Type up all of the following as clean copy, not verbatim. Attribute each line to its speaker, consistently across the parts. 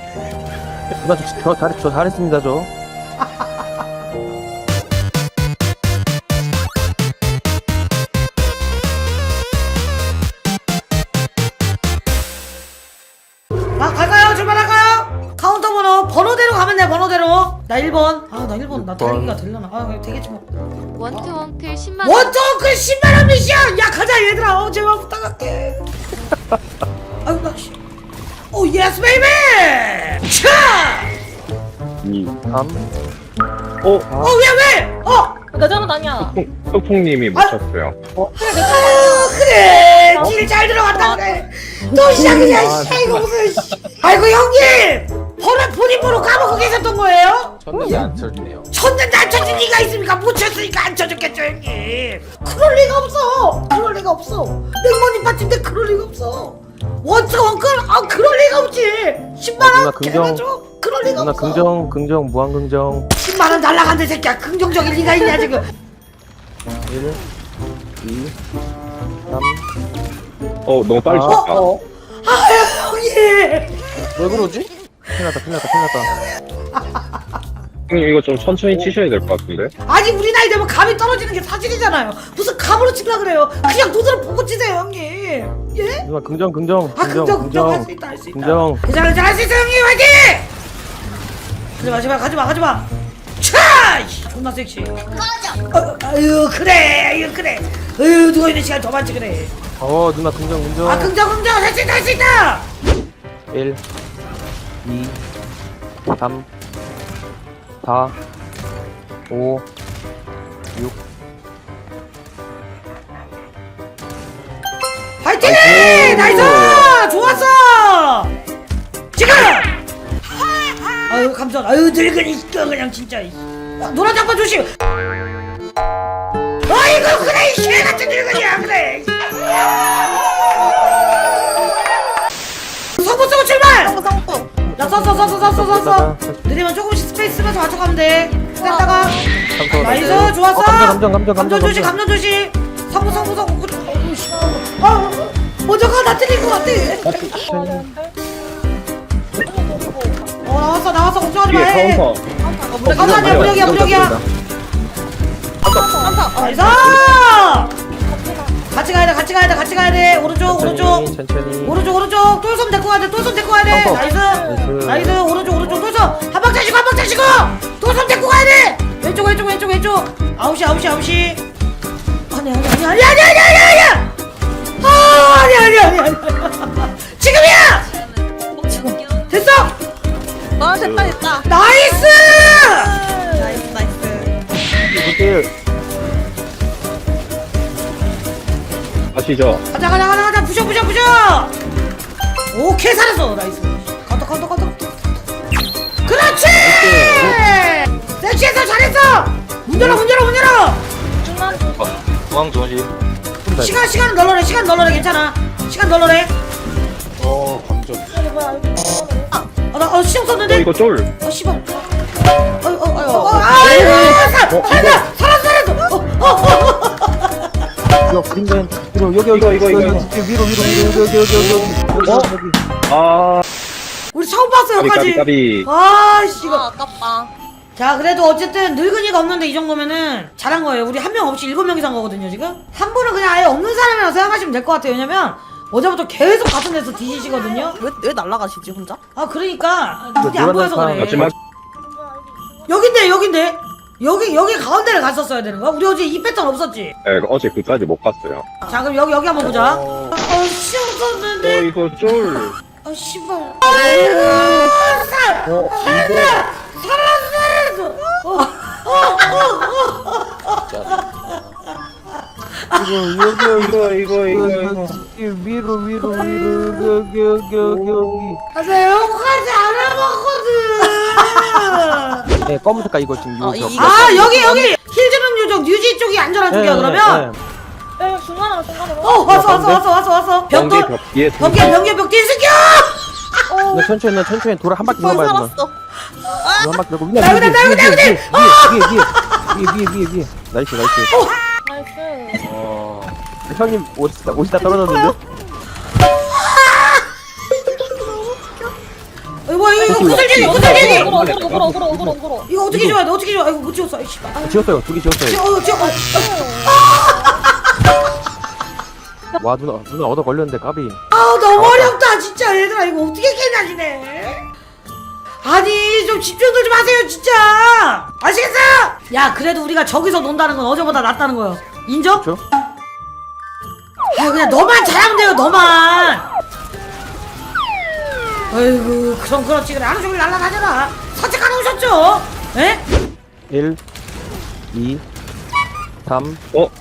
Speaker 1: 누나 저 잘했습니다 저.
Speaker 2: 아 갈까요? 출발할까요? 카운터 번호대로 가면 돼. 번호대로. 나 1번. 아 나 1번 나 달리기가 되려나? 아 되겠지 뭐.
Speaker 3: 원투원클 10만원.
Speaker 2: 원토크 10만원 미션! 야 가자 얘들아. 제발 부탁할게. 아유 나 씨. 오 예스 베이비! 차!
Speaker 4: 2,
Speaker 1: 3.
Speaker 2: 왜?
Speaker 3: 내 잘못 아니야.
Speaker 4: 흑풍님이 못 쳤어요.
Speaker 2: 그래 길 잘 들어갔다 그래. 또 시작이야 씨. 이거 무슨 씨. 아이고 형님 본인 번호 까먹고 계셨던 거예요?
Speaker 5: 쳤는데 안 쳐주네요.
Speaker 2: 쳤는데 안 쳐준 리가 있습니까? 못 쳤으니까 안 쳐줬겠죠 형님. 그럴 리가 없어. 그럴 리가 없어. 냉모님 파티인데 그럴 리가 없어. 원투 원클? 아 그럴 리가 없지. 10만원
Speaker 1: 누나 긍정.
Speaker 2: 개가줘? 그럴 리가
Speaker 1: 누나
Speaker 2: 없어.
Speaker 1: 긍정 무한 긍정.
Speaker 2: 10만원 날라간대 새끼야. 긍정적인 리가 있냐 지금.
Speaker 1: 1, 2, 3.
Speaker 4: 너무 빨리
Speaker 1: 아,
Speaker 4: 쳤다.
Speaker 2: 아유 형님.
Speaker 1: 왜 그러지? 큰일 났다.
Speaker 4: 형님 이거 좀 천천히 치셔야 될 것 같은데.
Speaker 2: 아니 우리 나이 되면 감이 떨어지는 게 사실이잖아요. 무슨 감으로 치려 그래요. 그냥 눈으로 보고 치세요 형님. 예?
Speaker 1: 누나 긍정.
Speaker 2: 아 긍정 할 수 있다 할 수 있다.
Speaker 1: 긍정.
Speaker 2: 괜찮아 할 수 있어 형님 화이팅! 가지마 차! 존나 섹시. 아유 그래 아유 누워있는 시간 더 많지 그래.
Speaker 1: 누나 긍정.
Speaker 2: 아 긍정 할 수 있다
Speaker 1: 1, 2, 3, 4, 5, 6.
Speaker 2: 화이팅! 나이스! 좋았어! 지금! 아유 감전 아유 늙은이 시켜 그냥 진짜. 노란 장판 조심. 아이고 그래 이 개같은 늙은이야 그래. 성부 쓰고 출발! 나 썼어. 느리면 조금씩 스페이스 쓰면서 맞춰가면 돼. 뺐다가 나이스 좋았어. 감전 조심. 성부 먼저 가. 나 틀린 것 같아. 나왔어 걱정하지 마.
Speaker 4: 뒤에 카운터.
Speaker 2: 아니야 무력이야. 나이스! 같이 가야 돼. 오른쪽.
Speaker 1: 천천히.
Speaker 2: 오른쪽. 똘섬 데리고 가야 돼. 나이스. 오른쪽. 똘섬. 한 박자 쉬고. 똘섬 데리고 가야 돼. 왼쪽. 아웃이. 아니야. 지금이야! 됐어!
Speaker 3: 됐다.
Speaker 2: 나이스!
Speaker 1: 이렇게
Speaker 4: 아시죠?
Speaker 2: 가자. 부셔. 오케이 살았어. 나이스. 카운터. 그렇지! 섹시해서 잘했어! 문 열어!
Speaker 5: 중앙 조심.
Speaker 2: 시간 널널해 괜찮아. 시간 널널해.
Speaker 5: 감정.
Speaker 2: 나 시험 썼는데?
Speaker 4: 이거 쫄.
Speaker 2: 씨발. 아이고 살았어.
Speaker 1: 이거 그린된 여기
Speaker 4: 이거.
Speaker 1: 위로 여기.
Speaker 4: 아,
Speaker 2: 우리 처음 봤어 여기까지.
Speaker 4: 까비.
Speaker 2: 아씨 이거.
Speaker 3: 아깝다.
Speaker 2: 자 그래도 어쨌든 늙은이가 없는데 이 정도면은 잘한 거예요. 우리 한 명 없이 7명이서 한 거거든요 지금. 한 분은 그냥 아예 없는 사람이라고 생각하시면 될 것 같아요. 왜냐면 어제부터 계속 같은 데서 뒤지시거든요.
Speaker 3: 왜 날라가시지 혼자?
Speaker 2: 아 그러니까 눈이 안 보여서 그래.
Speaker 4: 마지막
Speaker 2: 여긴데 여기 가운데를 갔었어야 되는 거야? 우리 어제 이 패턴 없었지?
Speaker 4: 네, 어제 그까지 못 갔어요.
Speaker 2: 자 그럼 여기 한번 보자. 시험 썼는데.
Speaker 4: 이거 쫄.
Speaker 2: 씨발.
Speaker 4: 이거.
Speaker 1: 위로 여기.
Speaker 2: 아, 나 여기까지 알아봤거든.
Speaker 1: 네, 검은 색깔 이거 지금 요 벽.
Speaker 2: 아 여기 힐즈는 요정 뉴지 쪽이 안전한 쪽이야 그러면.
Speaker 3: 중간으로.
Speaker 2: 왔어. 벽돌.
Speaker 4: 벽 뒤에
Speaker 2: 벽 뒤에 새끼야.
Speaker 1: 나 천천히 돌아 한 바퀴 넘어야 돼.
Speaker 3: 살았어.
Speaker 1: 한 바퀴 넘고
Speaker 2: 나
Speaker 1: 위에. 나이스. 형님 옷이 다 떨어졌는데?
Speaker 2: 이거 구슬쟁이 구슬쟁이
Speaker 3: 걸어.
Speaker 2: 이거 어떻게 줘야 돼 어떻게 줘 이거 못 지웠어 이씨
Speaker 1: 지웠어요. 두 개 지웠어요.
Speaker 2: 지워
Speaker 1: 와 누나 얻어 걸렸는데 까비.
Speaker 2: 아 너무 어렵다 진짜 얘들아 이거 어떻게 깨냐지네 아니 좀 집중들 좀 하세요 진짜 아시겠어? 야 그래도 우리가 저기서 논다는 건 어제보다 낫다는 거요 인정?
Speaker 1: 그렇죠?
Speaker 2: 아 그냥 너만 잘하면 돼요 너만 아이고 그럼 그렇지 그래 하루 종일 날라다녀라 산책하러 오셨죠? 에?
Speaker 1: 1 2 3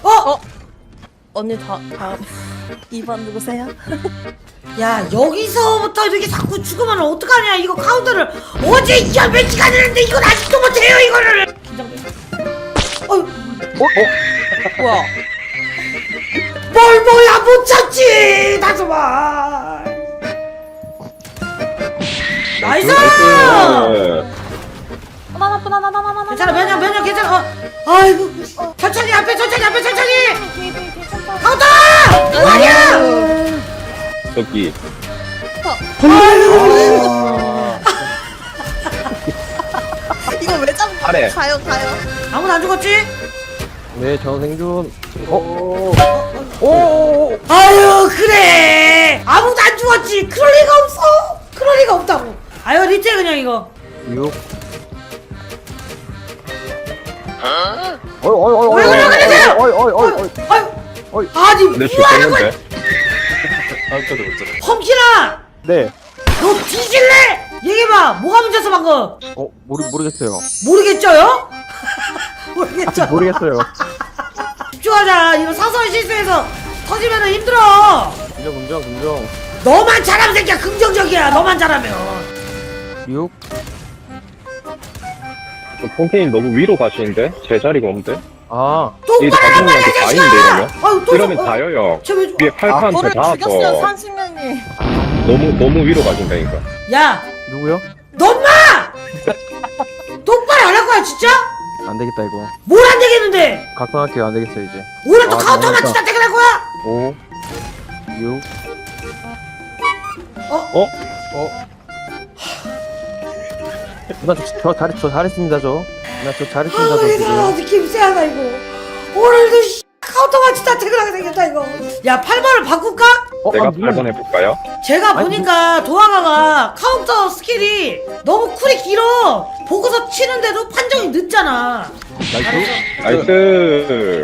Speaker 3: 언니 다 2번 누구세요?
Speaker 2: 야 여기서부터 이렇게 자꾸 죽으면 어떡하냐 이거 카운터를 어제 몇 시간 했는데 이건 아직도 못해요 이거를
Speaker 3: 뭐야?
Speaker 2: 뭘 뭐야 못 참지 다소마 나이스
Speaker 4: 네.
Speaker 3: 하나.
Speaker 2: 괜찮아 면역 괜찮아 아이고 천천히 앞에 천천히 카운터 아니야
Speaker 4: 저기
Speaker 3: 이거 왜 잡고
Speaker 4: 아래.
Speaker 3: 가요.
Speaker 2: 아무도 안 죽었지?
Speaker 1: 네, 저 생존. 오.
Speaker 2: 아유 그래 아무도 안 죽었지 그럴 리가 없어 그럴 리가 없다고 아유 리트 그냥 이거
Speaker 1: 6.
Speaker 2: 왜 그러세요?
Speaker 1: 어이.
Speaker 2: 아유 아니
Speaker 4: 내
Speaker 2: 뭐하는 거야
Speaker 4: 죽겠는데?
Speaker 5: 아까도 못 잡았어.
Speaker 2: 험키나
Speaker 1: 네.
Speaker 2: 너 뒤질래? 얘기해봐 뭐가 문제였어 방금
Speaker 1: 모르겠어요.
Speaker 2: 모르겠죠요? 모르겠죠?
Speaker 1: 모르겠어요.
Speaker 2: 집중하자 이거 사소한 실수해서 터지면 힘들어
Speaker 1: 긍정.
Speaker 2: 너만 잘하면 새끼야 긍정적이야 너만 잘하면
Speaker 1: 6.
Speaker 4: 폰케님 너무 위로 가시는데? 제 자리가 없는데?
Speaker 1: 아.
Speaker 4: 이
Speaker 2: 똑바로 하란 말이야
Speaker 4: 다중이한테 다인데
Speaker 2: 자식아
Speaker 4: 이러면?
Speaker 2: 아유 또
Speaker 4: 이러면 다여요.
Speaker 2: 쟤왜
Speaker 4: 위에 팔판
Speaker 3: 저를
Speaker 4: 더
Speaker 3: 죽였어요
Speaker 4: 나와서
Speaker 3: 30년이.
Speaker 4: 너무 위로 가신다니까.
Speaker 2: 야
Speaker 1: 누구요?
Speaker 2: 너마 똑바로 안 할 거야 진짜?
Speaker 1: 안 되겠다 이거.
Speaker 2: 뭘 안 되겠는데
Speaker 1: 각성할게요. 안 되겠어 이제.
Speaker 2: 오늘 또
Speaker 1: 아,
Speaker 2: 카운터만
Speaker 1: 너무했다.
Speaker 2: 진짜 퇴근할 거야?
Speaker 1: 5 6 누나 저 잘했습니다 저. 누나 저 잘했습니다 저
Speaker 2: 얘들아
Speaker 1: 지금.
Speaker 2: 느낌 쎄하다 이거 오늘도 카운터만 진짜 퇴근하게 생겼다 이거 야 8번을 바꿀까?
Speaker 4: 제가
Speaker 1: 누나.
Speaker 4: 8번 해볼까요?
Speaker 2: 제가
Speaker 1: 아니,
Speaker 2: 보니까 도화가가 카운터 스킬이 너무 쿨이 길어 보고서 치는데도 판정이 늦잖아
Speaker 1: 나이스.
Speaker 4: 나이스.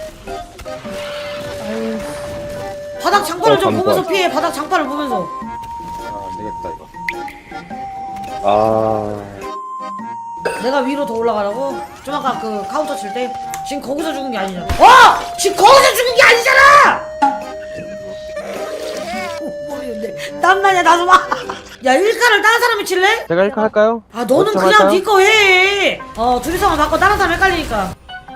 Speaker 2: 바닥 장판을 좀
Speaker 4: 장판.
Speaker 2: 보면서 피해 바닥 장판을 보면서
Speaker 5: 아, 안 되겠다 이거.
Speaker 4: 아.
Speaker 2: 내가 위로 더 올라가라고? 좀 아까 그 카운터 칠 때 지금 거기서 죽은 게 아니잖아 지금 거기서 죽은 게 아니잖아 모르겠네 땀나냐 나도 봐야 1카를 다른 사람이 칠래?
Speaker 1: 제가 1카 할까요?
Speaker 2: 아 너는
Speaker 1: 좀
Speaker 2: 그냥
Speaker 1: 할까요?
Speaker 2: 네 거 해. 둘이서만 바꿔 다른 사람 헷갈리니까.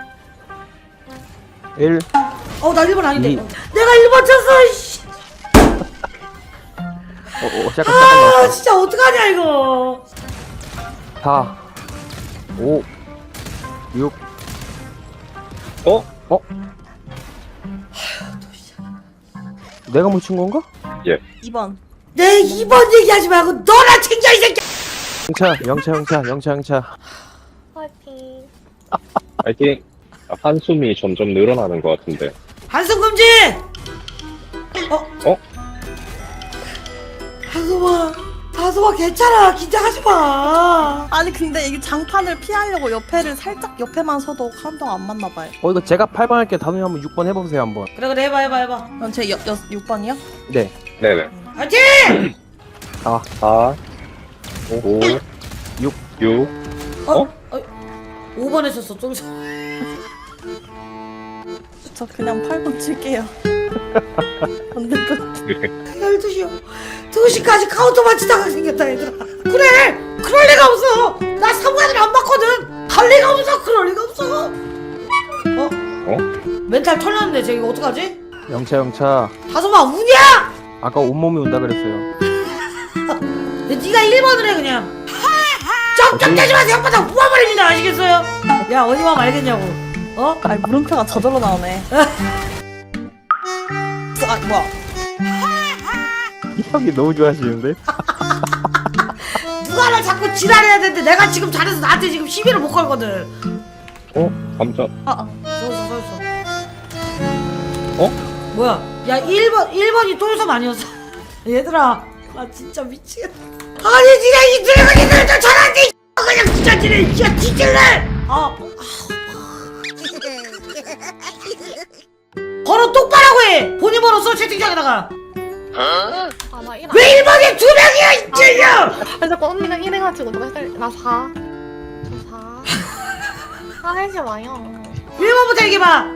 Speaker 1: 1
Speaker 2: 나 1번 아닌데.
Speaker 1: 이.
Speaker 2: 내가 1번 쳤어. 씨.
Speaker 1: 시작한다.
Speaker 2: 진짜 어떡하냐 이거.
Speaker 1: 4 5 6 내가 묻힌 건가?
Speaker 3: 2번.
Speaker 2: 내 2번 얘기하지 말고 너나 챙겨 이 새끼.
Speaker 1: 영차.
Speaker 3: 파이팅.
Speaker 4: 파이팅. 한숨이 점점 늘어나는 것 같은데.
Speaker 2: 한숨 금지.
Speaker 4: 어?
Speaker 2: 다솜아 괜찮아 긴장하지 마.
Speaker 3: 아니 근데 이게 장판을 피하려고 살짝 옆에만 서도 카운터가 안 맞나 봐요.
Speaker 1: 이거 제가 8번 할게. 다음에 한번 6번 해보세요 한번.
Speaker 2: 그래 해봐.
Speaker 3: 그럼 제 6번이요?
Speaker 1: 네.
Speaker 4: 네네.
Speaker 2: 화이팅.
Speaker 1: 4
Speaker 4: 4, 5,
Speaker 1: 6
Speaker 4: 6.
Speaker 2: 5번 했었어 좀.
Speaker 3: 저 그냥 8번 칠게요. 안 될 것 같아.
Speaker 2: 12시요. 2시까지 카운터 맞추다가 생겼다 얘들아. 그래 그럴 리가 없어. 나 사무관을 안 봤거든. 할 리가 없어 그럴 리가 없어. 멘탈 털렸는데 쟤 이거 어떡하지?
Speaker 1: 영차.
Speaker 2: 다솜아 우냐?
Speaker 1: 아까 온몸이 운다 그랬어요.
Speaker 2: 네가 1번을 해 그냥. 쩍쩍대지 마세요 혓바닥 모아버립니다 아시겠어요? 야 어디 마음 알겠냐고.
Speaker 3: 아니 물음표가 저절로 나오네. 뭐야?
Speaker 1: 이 형이 너무 좋아하시는데?
Speaker 2: 누가 맨날 자꾸 지랄해야 되는데 내가 지금 잘해서 나한테 지금 시비를 못 걸거든.
Speaker 4: 감자.
Speaker 2: 서있어.
Speaker 1: 어?
Speaker 2: 뭐야? 야 1번이 똘섬 아니었어? 얘들아 나 진짜 미치겠다. 아니 니네 이 드래곤이들 저 잘하지. 그냥 진짜 니네 진짜 뒤질래. 번호 똑바로 해. 본인 번호 써 채팅창에다가.
Speaker 6: 아, 나 1.
Speaker 2: 왜 1번이 2명이야 이 찔려.
Speaker 6: 아니, 자꾸 언니가 1 해가지고 너가 헷갈려. 나 4. 저 4. 화내지 마요.
Speaker 2: 1번부터 얘기해봐.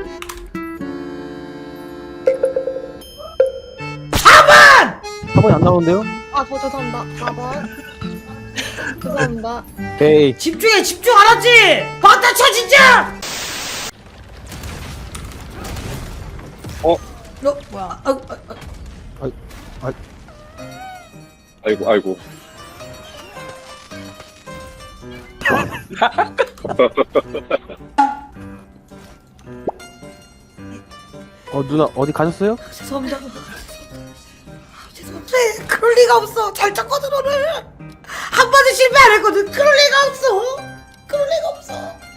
Speaker 2: 4번!
Speaker 1: 4번이 안 나오는데요?
Speaker 6: 아, 저 죄송합니다. 4번. 죄송합니다.
Speaker 1: 오케이.
Speaker 2: 집중해 집중 알았지? 막다 쳐 진짜! 너 뭐야?
Speaker 4: 아이고.
Speaker 1: 누나 어디 가셨어요?
Speaker 2: 죄송합니다. 죄송합니다. 그럴 리가 없어. 잘 쳤거든 오늘. 한 번도 실패 안 했거든. 그럴 리가 없어. 그럴 리가 없어.